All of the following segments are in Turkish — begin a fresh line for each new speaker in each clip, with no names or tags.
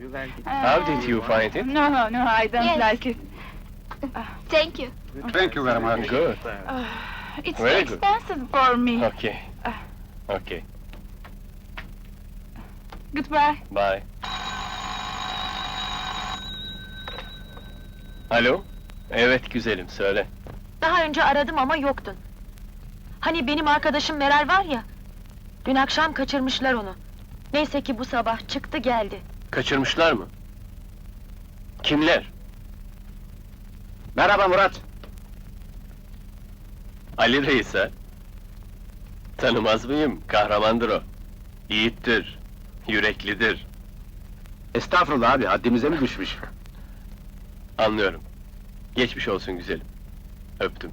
How did you find it?
No, I don't
Yes.
like it.
Thank you.
Thank you very much.
Good.
It's
Very
too
good.
expensive for me.
Okay. Okay.
Goodbye.
Bye. Alo? Evet güzelim, söyle.
Daha önce aradım ama yoktun. Hani benim arkadaşım Meral var ya, dün akşam kaçırmışlar onu. Neyse ki bu sabah çıktı geldi.
Kaçırmışlar mı? Kimler?
Merhaba Murat.
Ali Reis ha? Tanımaz mıyım? Kahramandır o. Yiğittir, yüreklidir.
Estağfurullah abi, haddimize mi düşmüş?
Anlıyorum. Geçmiş olsun güzelim. Öptüm.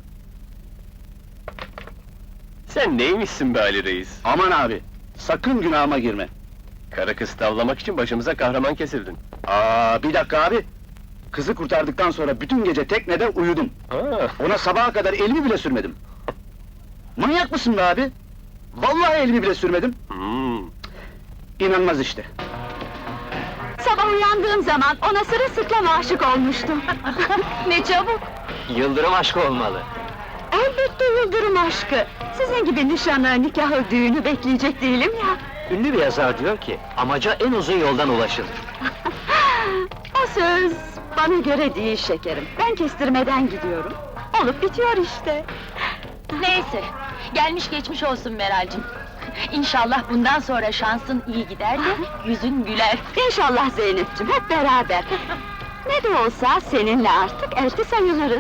Sen neymişsin be Ali Reis?
Aman abi, sakın günahıma girme.
Kara kız tavlamak için başımıza kahraman kesildin.
Bir dakika abi. Kızı kurtardıktan sonra bütün gece teknede uyudum.
Ha.
Ona sabaha kadar elimi bile sürmedim. Manyak mısın be abi? Vallahi elimi bile sürmedim. İnanmaz işte.
Sabah uyandığım zaman ona sırılsıklam aşık olmuştum. Ne çabuk!
Yıldırım aşkı olmalı.
Elbette yıldırım aşkı! Sizin gibi nişanı, nikahı, düğünü bekleyecek değilim ya!
Ünlü bir yazar diyor ki, amaca en uzun yoldan ulaşılır.
O söz bana göre değil şekerim. Ben kestirmeden gidiyorum. Olup bitiyor işte.
Neyse, gelmiş geçmiş olsun Meral'cim. İnşallah bundan sonra şansın iyi gider de yüzün güler.
İnşallah Zeynep'ciğim, hep beraber. Ne de olsa seninle artık elti sayılırız.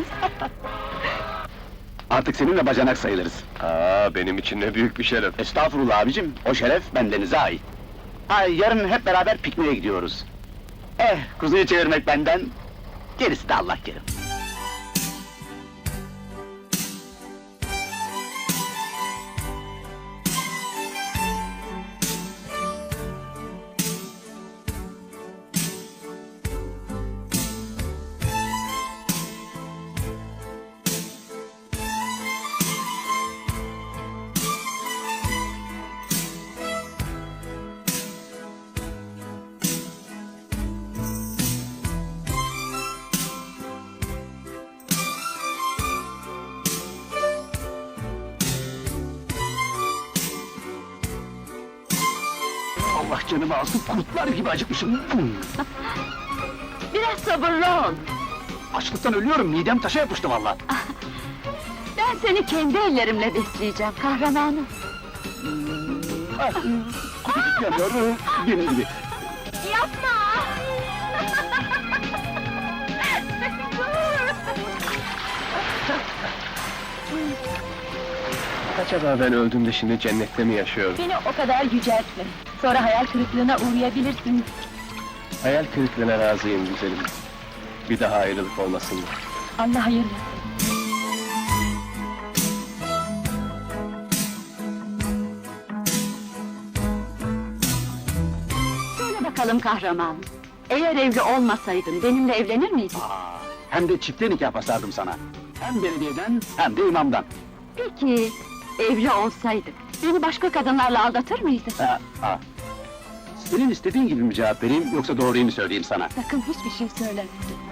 Artık seninle bacanak sayılırız.
Benim için ne büyük bir şeref.
Estağfurullah abicim, o şeref bendenize ait. Yarın hep beraber pikniğe gidiyoruz. Kuzuyu çevirmek benden, gerisi de Allah kerim. Allah canımı alsın, kurtlar gibi acıkmışım.
Biraz sabırlı ol.
Açlıktan ölüyorum, midem taşa yapıştı vallahi.
Ben seni kendi ellerimle besleyeceğim, kahramanım.
Yanıyor, benim gibi.
Yapma!
Acaba ben öldüğümde şimdi cennette mi yaşıyorum?
Beni o kadar yüceltme. Sonra hayal kırıklığına uğrayabilirsin.
Hayal kırıklığına razıyım güzelim. Bir daha ayrılık olmasın.
Allah hayırlısı.
Söyle bakalım kahraman. Eğer evli olmasaydın benimle evlenir miydin?
Hem de çifte nikah basardım sana. Hem belediyeden, hem de imamdan.
Peki, evli olsaydık, beni başka kadınlarla aldatır mıydın?
Senin istediğin gibi mi cevap vereyim, yoksa doğruyu mu söyleyeyim sana?
Sakın hiçbir şey söyleme.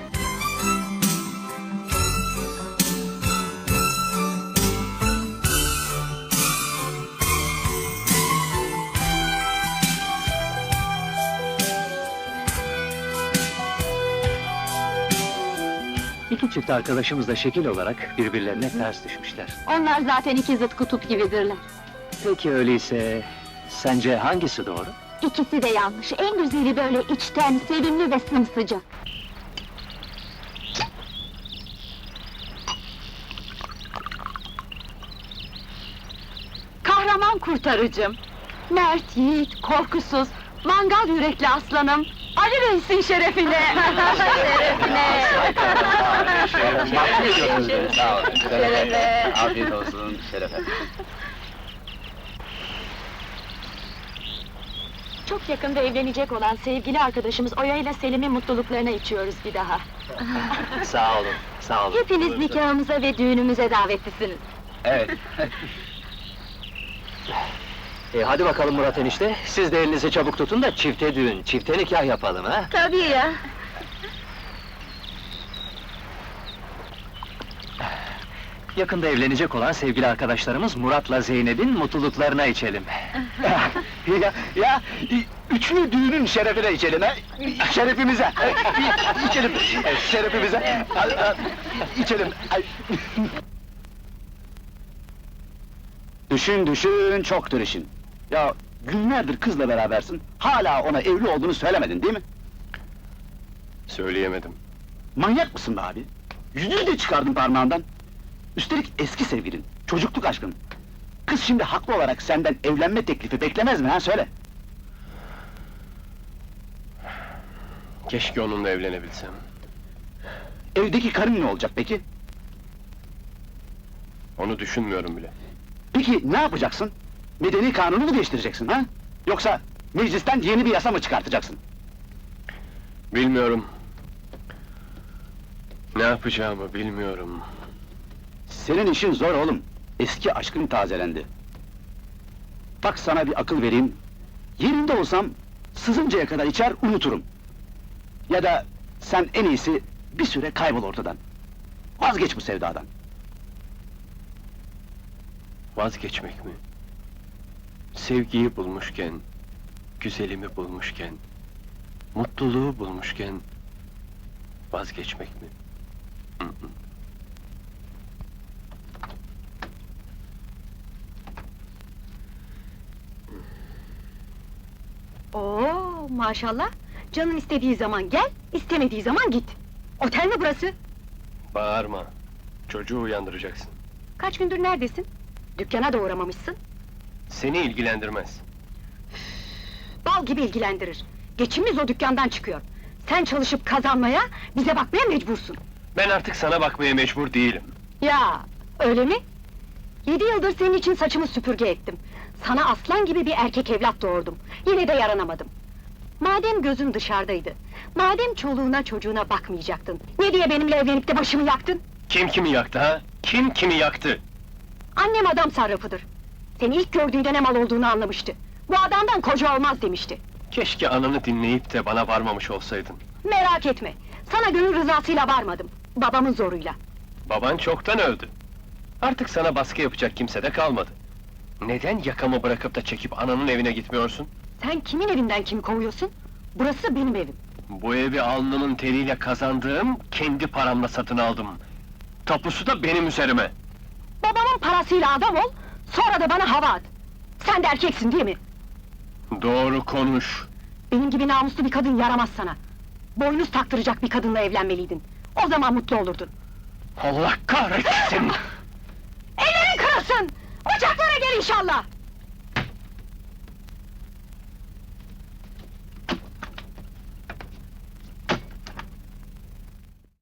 İki çift arkadaşımız da şekil olarak birbirlerine ters düşmüşler.
Onlar zaten iki zıt kutup gibidirler.
Peki öyleyse, sence hangisi doğru?
İkisi de yanlış. En güzeli böyle içten, sevimli ve sımsıcak. Kahraman kurtarıcım. Mert, yiğit, korkusuz, mangal yürekli aslanım. Ali Reis'in şerefine! Şerefine!
Sağ olun, şerefe. Afiyet olsun, şerefe.
Çok yakında evlenecek olan sevgili arkadaşımız Oya ile Selim'in mutluluklarına içiyoruz bir daha.
Sağ olun, sağ olun.
Hepiniz nikahımıza ve düğünümüze davetlisiniz.
Evet.
Hadi bakalım Murat enişte, siz de elinizi çabuk tutun da çifte düğün, çifte nikah yapalım ha?
Tabii ya.
Yakında evlenecek olan sevgili arkadaşlarımız Murat'la Zeynep'in mutluluklarına içelim.
ya, üçlü düğünün şerefine içelim ha! Şerefimize! İçelim, şerefimize! İçelim! Düşün, çoktur işin. Ya, günlerdir kızla berabersin, hala ona evli olduğunu söylemedin değil mi?
Söyleyemedim.
Manyak mısın be abi? Yüzüğü de çıkardın parmağından. Üstelik eski sevgilin, çocukluk aşkın. Kız şimdi haklı olarak senden evlenme teklifi beklemez mi ha, söyle?
Keşke onunla evlenebilsem.
Evdeki karın ne olacak peki?
Onu düşünmüyorum bile.
Peki ne yapacaksın? Medeni kanunu mu değiştireceksin ha? Yoksa meclisten yeni bir yasa mı çıkartacaksın?
Bilmiyorum. Ne yapacağımı bilmiyorum.
Senin işin zor oğlum. Eski aşkın tazelendi. Bak sana bir akıl vereyim. Yerinde olsam sızıncaya kadar içer unuturum. Ya da sen en iyisi bir süre kaybol ortadan. Vazgeç bu sevdadan.
Vazgeçmek mi? Sevgiyi bulmuşken, güzelimi bulmuşken, mutluluğu bulmuşken vazgeçmek mi? Hı hı.
Oo, maşallah. Canın istediği zaman gel, istemediği zaman git. Otel mi burası?
Bağırma. Çocuğu uyandıracaksın.
Kaç gündür neredesin? Dükkana da uğramamışsın.
Seni ilgilendirmez.
Bal gibi ilgilendirir. Geçimimiz o dükkandan çıkıyor. Sen çalışıp kazanmaya, bize bakmaya mecbursun.
Ben artık sana bakmaya mecbur değilim.
Ya, öyle mi? 7 yıldır senin için saçımı süpürge ettim. Sana aslan gibi bir erkek evlat doğurdum. Yine de yaranamadım. Madem gözün dışarıdaydı, madem çoluğuna çocuğuna bakmayacaktın, ne diye benimle evlenip de başımı yaktın?
Kim kimi yaktı ha? Kim kimi yaktı?
Annem adam sarrafıdır. Seni ilk gördüğünde ne mal olduğunu anlamıştı. Bu adamdan koca olmaz demişti.
Keşke ananı dinleyip de bana varmamış olsaydın.
Merak etme, sana gönül rızasıyla varmadım, babamın zoruyla.
Baban çoktan öldü. Artık sana baskı yapacak kimse de kalmadı. Neden yakamı bırakıp da çekip ananın evine gitmiyorsun?
Sen kimin evinden kimi kovuyorsun? Burası benim evim.
Bu evi alnımın teriyle kazandığım, kendi paramla satın aldım. Tapusu da benim üzerime.
Babamın parasıyla adam ol, sonra da bana hava at. Sen de erkeksin değil mi?
Doğru konuş.
Benim gibi namuslu bir kadın yaramaz sana. Boynuz taktıracak bir kadınla evlenmeliydin. O zaman mutlu olurdun.
Allah kahretsin!
Ellerin kırılsın! Ocaklara gel inşallah!